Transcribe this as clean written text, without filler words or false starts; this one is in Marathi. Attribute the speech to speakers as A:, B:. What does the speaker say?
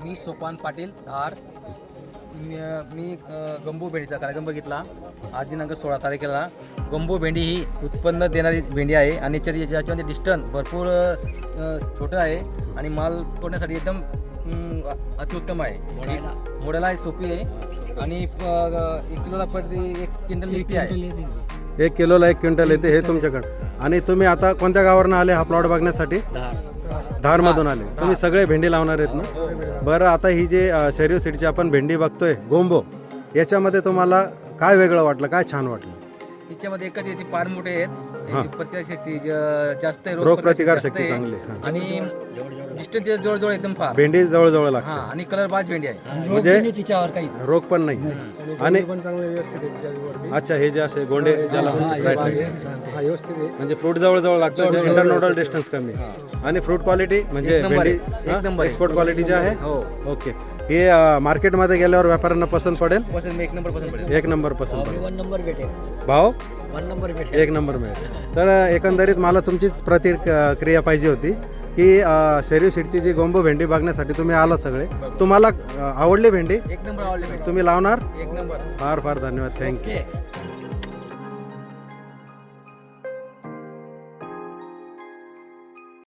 A: मी सोपान पाटील धार. मी गंबू भेंडीचा कार्यक्रम बघितला. आज दिनांक 16 तारखेला. गंबू भेंडी ही उत्पन्न देणारी भेंडी आहे आणि याच्यामध्ये डिस्टन्स भरपूर छोटं आहे आणि माल तोडण्यासाठी एकदम अतिउत्तम आहे. मोडायला सोपी आहे आणि 1 किलोला प्रति 1 क्विंटल निघते आहे.
B: 1 किलोला 1 क्विंटल येते. हे तुमच्याकडे. आणि तुम्ही आता कोणत्या गावावरून आले हा प्लॉट बघण्यासाठी? धारमधून आले. तुम्ही सगळे भेंडी लावणार आहेत ना? बरं, आता ही जे शरीर सीडची आपण भेंडी बघतोय गोंबो, याच्यामध्ये तुम्हाला काय वेगळं वाटलं, काय छान वाटलं?
A: याच्यामध्ये एकच याचे पान मोठे आहेत,
B: हां.
A: प्रतिकारशक्ती जास्त आहे,
B: रोग प्रतिकार
A: जास्त
B: शक्ती
A: आहे.
B: चांगली आहे. हां.
A: आणि डिस्टन्स जवळजवळ एकदम फार.
B: भेंडी जवळजवळ
A: हा
B: लागते
A: आणि कलर बाज भेंडी आहे.
B: म्हणजे
C: तिच्यावर काही
B: रोग पण नाही. आणि
D: पण चांगलं व्यवस्थित आहे त्याच्यावरती.
B: अच्छा, हे जे असे गोंडे ज्याला right, right.
D: हा व्यवस्थित आहे.
B: म्हणजे फ्रूट जवळ लागतं, इंटरनोडल डिस्टन्स कमी. आणि फ्रूट क्वालिटी म्हणजे
A: एक नंबर आहे.
B: भेंडी
A: एक नंबर आहे.
B: एक्सपोर्ट क्वालिटी जे आहे.
A: हो
B: ओके. हे मार्केटमध्ये गेल्यावर व्यापाऱ्यांना पसंत पडेल.
A: पसंत 1 नंबर पसंत पडेल.
B: 1 नंबर पसंत पडेल.
C: 1 नंबर भेटेल.
B: भाव
C: 1 नंबर भेटेल.
B: 1 नंबर मिळेल. तर एकंदरीत मला तुमचीच प्रतिक्रिया पाहिजे होती की शरीर सीडची जी गोंबो भेंडी बघण्यासाठी तुम्ही आला सगळे. तुम्हाला आवडली भेंडी?
A: 1 नंबर आवडली भेंडी.
B: तुम्ही लावणार?
A: 1 नंबर.
B: फार फार धन्यवाद. थँक्यू.